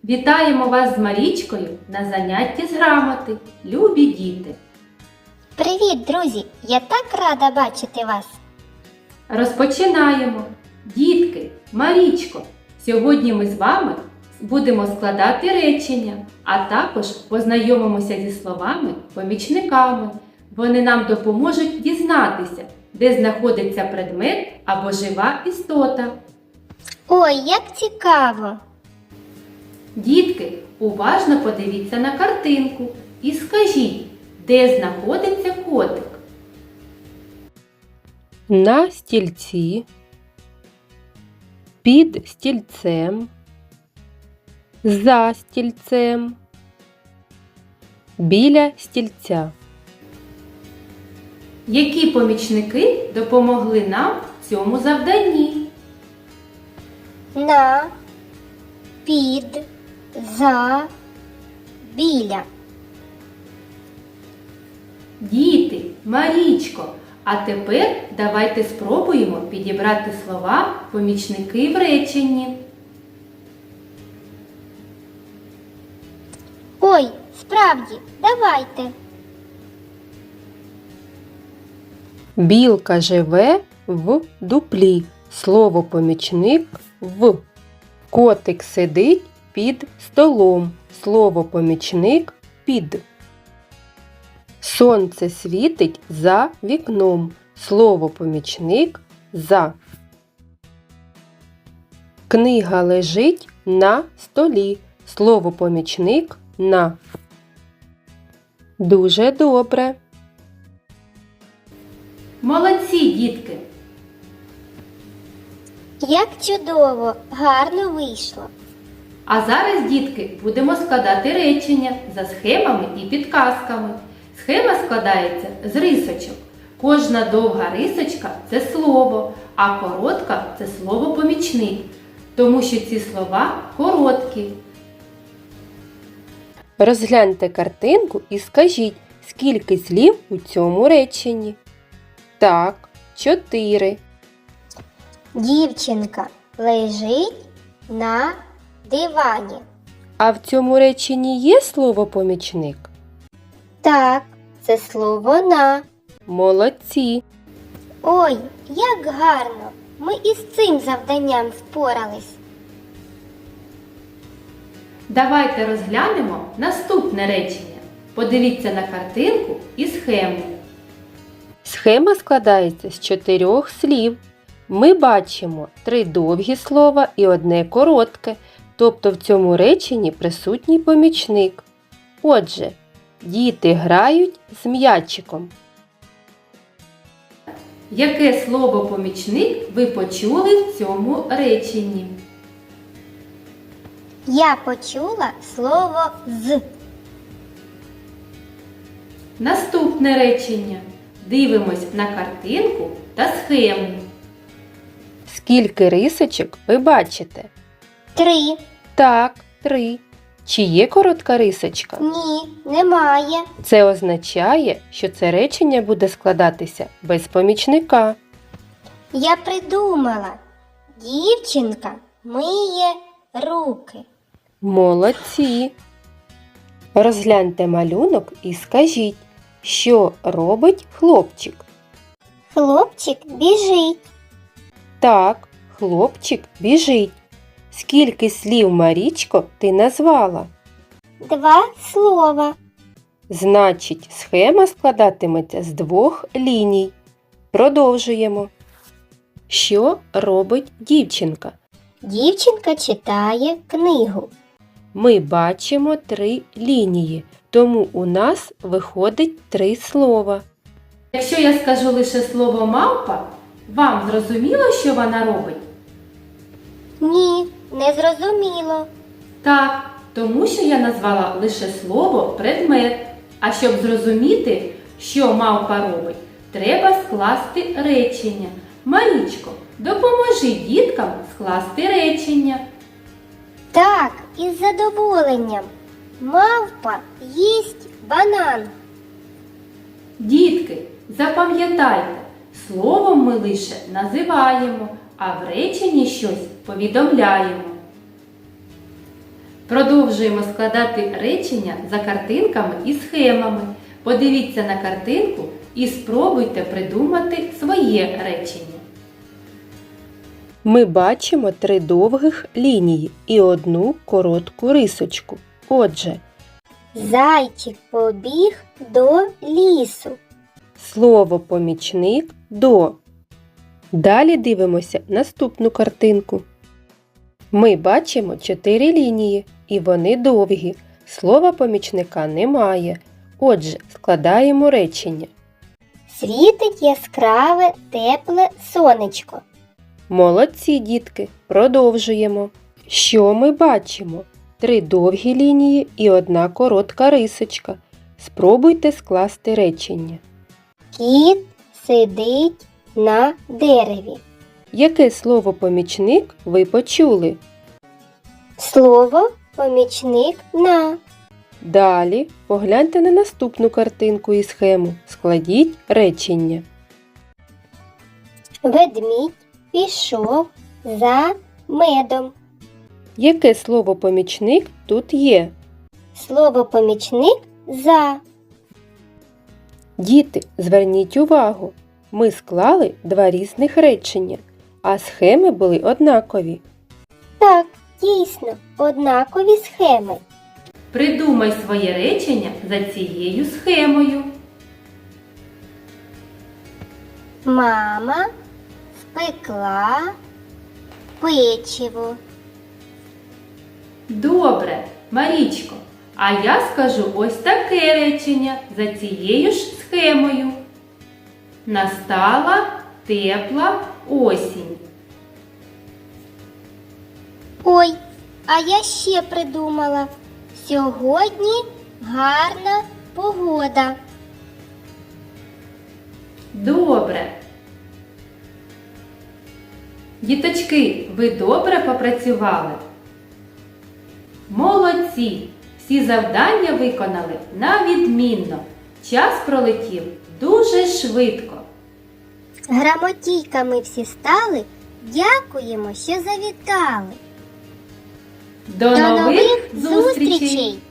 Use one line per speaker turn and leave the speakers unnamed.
Вітаємо вас з Марічкою на занятті з грамоти, любі діти!
Привіт, друзі! Я так рада бачити вас!
Розпочинаємо! Дітки, Марічко, сьогодні ми з вами будемо складати речення, а також познайомимося зі словами-помічниками. Вони нам допоможуть дізнатися, де знаходиться предмет або жива істота.
Ой, як цікаво!
Дітки, уважно подивіться на картинку і скажіть, де знаходиться котик?
На стільці, під стільцем, за стільцем, біля стільця.
Які помічники допомогли нам в цьому завданні?
На, під, за, біля.
Діти, Марічко, а тепер давайте спробуємо підібрати слова-помічники в реченні.
Ой, справді, давайте.
Білка живе в дуплі. Слово-помічник в. Котик сидить під столом. Слово-помічник під. Сонце світить за вікном. Слово-помічник за. Книга лежить на столі. Слово-помічник на. Дуже добре.
Молодці, дітки!
Як чудово, гарно вийшло.
А зараз, дітки, будемо складати речення за схемами і підказками. Схема складається з рисочок. Кожна довга рисочка – це слово, а коротка – це слово-помічник, тому що ці слова короткі.
Розгляньте картинку і скажіть, скільки слів у цьому реченні. Так, 4.
Дівчинка лежить на дивані.
А в цьому реченні є слово-помічник?
Так, це слово на.
Молодці!
Ой, як гарно! Ми із цим завданням впорались.
Давайте розглянемо наступне речення. Подивіться на картинку і схему.
Схема складається з 4 слів. Ми бачимо 3 довгі слова і 1 коротке, тобто в цьому реченні присутній помічник. Отже, діти грають з м'ячиком.
Яке слово-помічник ви почули в цьому реченні?
Я почула слово з.
Наступне речення. Дивимось на картинку та схему.
Скільки рисочок ви бачите?
3.
Так, 3. Чи є коротка рисочка?
Ні, немає.
Це означає, що це речення буде складатися без помічника.
Я придумала. Дівчинка миє руки.
Молодці! Розгляньте малюнок і скажіть, що робить хлопчик.
Хлопчик біжить.
Так, хлопчик біжить. Скільки слів, Марічко, ти назвала?
2 слова.
Значить, схема складатиметься з 2 ліній. Продовжуємо. Що робить дівчинка?
Дівчинка читає книгу.
Ми бачимо 3 лінії, тому у нас виходить 3 слова.
Якщо я скажу лише слово «мавпа», вам зрозуміло, що вона робить?
Ні, не зрозуміло.
Так, тому що я назвала лише слово «предмет». А щоб зрозуміти, що мавпа робить, треба скласти речення. Марічко, допоможи діткам скласти речення.
Так, із задоволенням. Мавпа їсть банан.
Дітки, запам'ятайте, словом ми лише називаємо, а в реченні щось повідомляємо. Продовжуємо складати речення за картинками і схемами. Подивіться на картинку і спробуйте придумати своє речення.
Ми бачимо 3 довгих лінії і 1 коротку рисочку. Отже,
Зайчик побіг до лісу.
слово помічник до. Далі дивимося наступну картинку. Ми бачимо 4 лінії і вони довгі. Слова помічника немає. Отже, складаємо речення.
Світить яскраве, тепле сонечко.
Молодці, дітки! Продовжуємо. Що ми бачимо? 3 довгі лінії і 1 коротка рисочка. Спробуйте скласти речення.
Кіт сидить на дереві.
Яке слово помічник ви почули?
Слово помічник на.
Далі погляньте на наступну картинку і схему. Складіть речення.
Ведмідь пішов за медом.
Яке слово помічник тут є?
Слово помічник за.
Діти, зверніть увагу. Ми склали 2 різних речення, а схеми були однакові.
Так, дійсно, однакові схеми.
Придумай своє речення за цією схемою.
Мама спекла печиво.
Добре, Марічко, а я скажу ось таке речення за цією ж схемою. Настала тепла осінь.
Ой, а я ще придумала. Сьогодні гарна погода.
Добре. Діточки, ви добре попрацювали? Молодці! Всі завдання виконали на відмінно. Час пролетів дуже швидко.
Грамотійками всі стали. Дякуємо, що завітали.
До нових зустрічей!